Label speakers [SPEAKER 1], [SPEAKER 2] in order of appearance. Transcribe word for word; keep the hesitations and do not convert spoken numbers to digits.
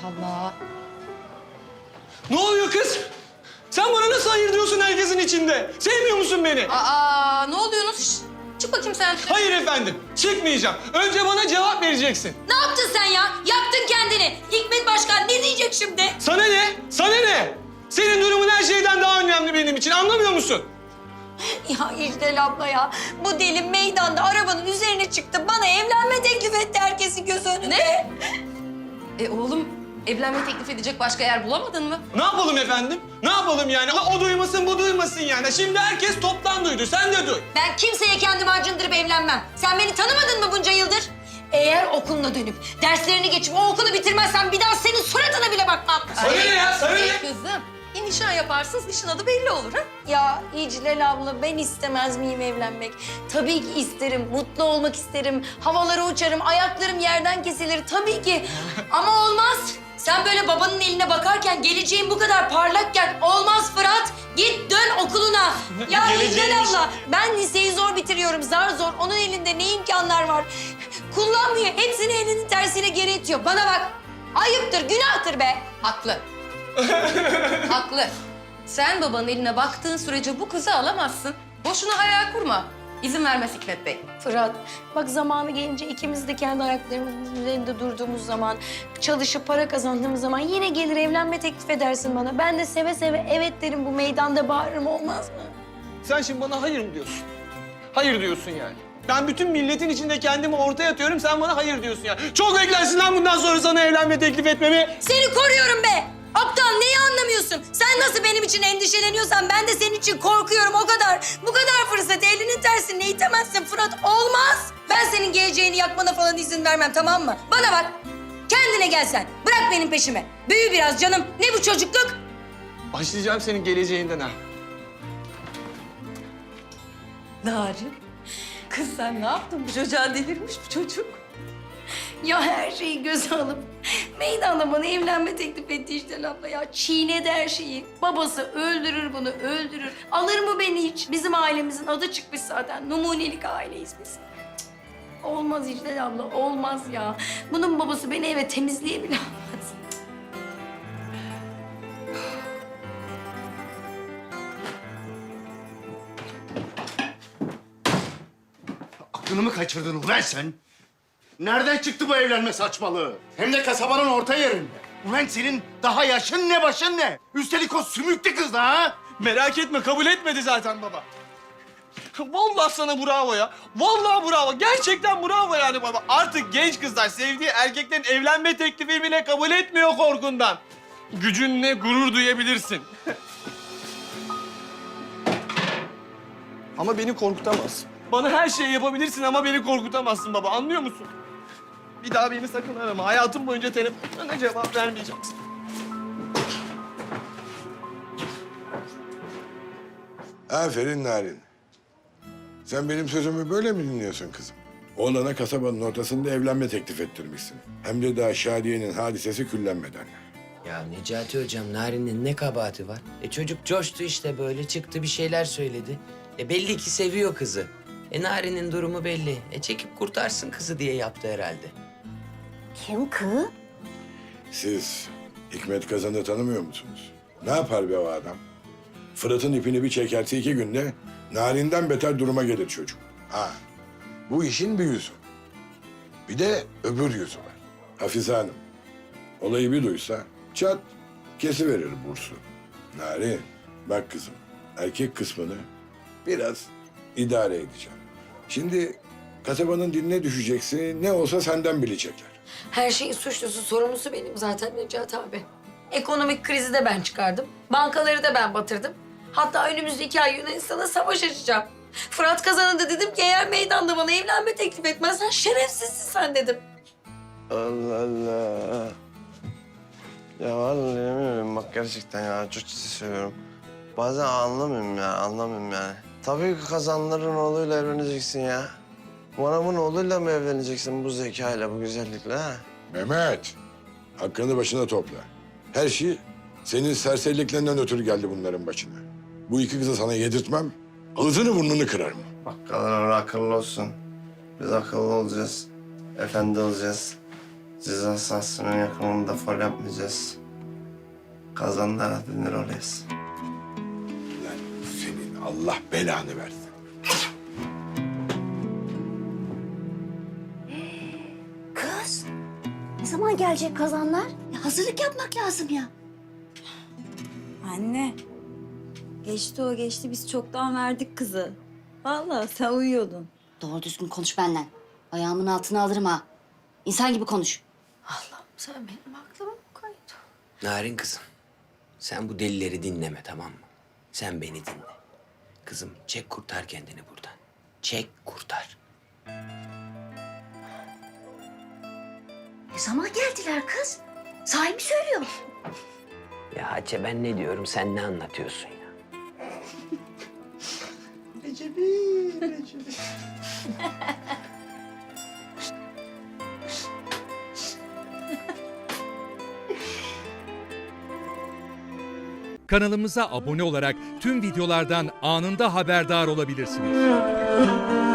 [SPEAKER 1] Allah.
[SPEAKER 2] Ne oluyor kız? Sen bana nasıl hayır diyorsun herkesin içinde? Sevmiyor musun beni?
[SPEAKER 1] Aa, ne oluyorsunuz? Şişt, çık bakayım sen.
[SPEAKER 2] Hayır efendim, çıkmayacağım. Önce bana cevap vereceksin.
[SPEAKER 1] Ne yaptın sen ya? Yaktın kendini. Hikmet Başkan ne diyecek şimdi?
[SPEAKER 2] Sana ne? Sana ne? Senin durumun her şeyden daha önemli benim için, anlamıyor musun?
[SPEAKER 1] Ya İcdal abla ya. Bu deli meydanda arabanın üzerine çıktı. Bana evlenme teklif etti herkesin göz önünde. Ne? E oğlum, evlenme teklif edecek başka yer bulamadın mı?
[SPEAKER 2] Ne yapalım efendim? Ne yapalım yani? O duymasın, bu duymasın yani. Şimdi herkes toptan duydu, sen de duy.
[SPEAKER 1] Ben kimseye kendimi acındırıp evlenmem. Sen beni tanımadın mı bunca yıldır? Eğer okuluna dönüp derslerini geçip o okulu bitirmezsen bir daha senin suratına bile bakmam.
[SPEAKER 2] Sana ne ya, sana ne?
[SPEAKER 3] Kızım, bir nişan yaparsınız, nişan adı belli olur ha?
[SPEAKER 1] Ya İclal abla ben istemez miyim evlenmek? Tabii ki isterim, mutlu olmak isterim. Havalara uçarım, ayaklarım yerden kesilir tabii ki. Ama olmaz. Sen böyle babanın eline bakarken, geleceğin bu kadar parlakken olmaz Fırat. Git dön okuluna. Ya İclal
[SPEAKER 2] Geleceğimiz-
[SPEAKER 1] abla ben liseyi zor bitiriyorum, zar zor. Onun elinde ne imkanlar var? Kullanmıyor, hepsini elinin tersiyle geri itiyor. Bana bak, ayıptır, günahtır be.
[SPEAKER 3] Haklı. Haklı. Sen babanın eline baktığın sürece bu kızı alamazsın. Boşuna hayal kurma. İzin vermez Hikmet Bey.
[SPEAKER 1] Fırat, bak zamanı gelince ikimiz de kendi ayaklarımızın üzerinde durduğumuz zaman, çalışıp para kazandığımız zaman yine gelir evlenme teklif edersin bana. Ben de seve seve evet derim, bu meydanda bağırırım, olmaz mı?
[SPEAKER 2] Sen şimdi bana hayır mı diyorsun? Hayır diyorsun yani. Ben bütün milletin içinde kendimi ortaya atıyorum, sen bana hayır diyorsun yani. Çok beklersin lan bundan sonra sana evlenme teklif etmemi.
[SPEAKER 1] Seni koruyorum be! Aptal, neyi anlamıyorsun? Sen nasıl benim için endişeleniyorsan ben de senin için korkuyorum, o kadar. Bu kadar fırsat elinin tersine itemezsin Fırat, olmaz. Ben senin geleceğini yakmana falan izin vermem, tamam mı? Bana bak, kendine gel sen. Bırak benim peşimi. Büyü biraz canım. Ne bu çocukluk?
[SPEAKER 2] Başlayacağım senin geleceğinden ha.
[SPEAKER 3] Narin, kız sen ne yaptın? Bu çocuğa delirmiş bu çocuk.
[SPEAKER 1] Ya her şeyi göze alıp meydanda bana evlenme teklif etti işte abla ya. Çiğnedi her şeyi. Babası öldürür bunu, öldürür. Alır mı beni hiç? Bizim ailemizin adı çıkmış zaten. Numunelik aileyiz biz. Cık, olmaz İclal abla, olmaz ya. Bunun babası beni eve temizliğe bile almaz.
[SPEAKER 4] Aklını mı kaçırdın ulan sen? Nereden çıktı bu evlenme saçmalığı? Hem de kasabanın orta yerinde. Ulan senin daha yaşın ne başın ne? Üstelik o sümüklü kız da ha?
[SPEAKER 2] Merak etme, kabul etmedi zaten baba. Vallahi sana bravo ya. Vallahi bravo. Gerçekten bravo yani baba. Artık genç kızlar sevdiği erkeklerin evlenme teklifi bile kabul etmiyor korkundan. Gücünle gurur duyabilirsin. Ama beni korkutamazsın. Bana her şeyi yapabilirsin ama beni korkutamazsın baba. Anlıyor musun? Bir daha beni sakın arama. Hayatım boyunca telefonlarına cevap vermeyeceksin.
[SPEAKER 5] Aferin Narin. Sen benim sözümü böyle mi dinliyorsun kızım? Oğlana kasabanın ortasında evlenme teklif ettirmişsin. Hem de daha Şadiye'nin hadisesi küllenmeden.
[SPEAKER 6] Ya Necati Hocam, Narin'in ne kabahati var? E çocuk coştu işte, böyle çıktı bir şeyler söyledi. E belli ki seviyor kızı. E Narin'in durumu belli. E çekip kurtarsın kızı diye yaptı herhalde.
[SPEAKER 1] Kim kız?
[SPEAKER 5] Siz Hikmet Kazan'ı tanımıyor musunuz? Ne yapar be o adam? Fırat'ın ipini bir çekerse iki günde Narin'den beter duruma gelir çocuk. Ha, bu işin bir yüzü. Bir de öbür yüzü var. Hafize Hanım, olayı bir duysa çat kesiverir bursu. Narin, bak kızım, erkek kısmını biraz idare edeceğim. Şimdi kasabanın diline düşeceksin, ne olsa senden bilecekler.
[SPEAKER 1] Her şeyin suçlusu, sorumlusu benim zaten Necati abi. Ekonomik krizi de ben çıkardım. Bankaları da ben batırdım. Hatta önümüzdeki ay Yunanistan'a savaş açacağım. Fırat Kazan'a da dedim ki eğer meydanda bana evlenme teklif etmezsen şerefsizsin sen dedim.
[SPEAKER 7] Allah Allah. Ya vallahi bilmiyorum bak, gerçekten ya çok ciddi söylüyorum. Bazen anlamıyorum ya, anlamıyorum yani. Tabii ki Kazanların oğluyla evleneceksin ya. Manav'ın oğluyla mı evleneceksin bu zekayla, bu güzellikle ha?
[SPEAKER 5] Mehmet, hakkını başına topla. Her şey senin serseriliklerinden ötürü geldi bunların başına. Bu iki kızı sana yedirtmem, ağzını burnunu kırarım.
[SPEAKER 7] Bak Kazanlar akıllı olsun. Biz akıllı olacağız. Efendi olacağız. Ceza sahasının yakınında faul yapmayacağız. Kazanlara dönür orayız.
[SPEAKER 5] Lan senin Allah belanı versin.
[SPEAKER 8] Kız, ne zaman gelecek kazanlar? Ya hazırlık yapmak lazım ya.
[SPEAKER 9] Anne, geçti o geçti. Biz çoktan verdik kızı. Vallahi sen uyuyordun.
[SPEAKER 8] Doğru düzgün konuş benden. Ayağımın altına alırım ha. İnsan gibi konuş.
[SPEAKER 1] Allah'ım sen benim aklıma mı koydun?
[SPEAKER 6] Narin kızım, sen bu delileri dinleme tamam mı? Sen beni dinle. Kızım çek kurtar kendini buradan. Çek kurtar.
[SPEAKER 8] Ne zaman geldiler kız? Sahi mi söylüyor?
[SPEAKER 6] Ya Hatice ben ne diyorum sen ne anlatıyorsun ya?
[SPEAKER 10] Kanalımıza abone olarak tüm videolardan anında haberdar olabilirsiniz.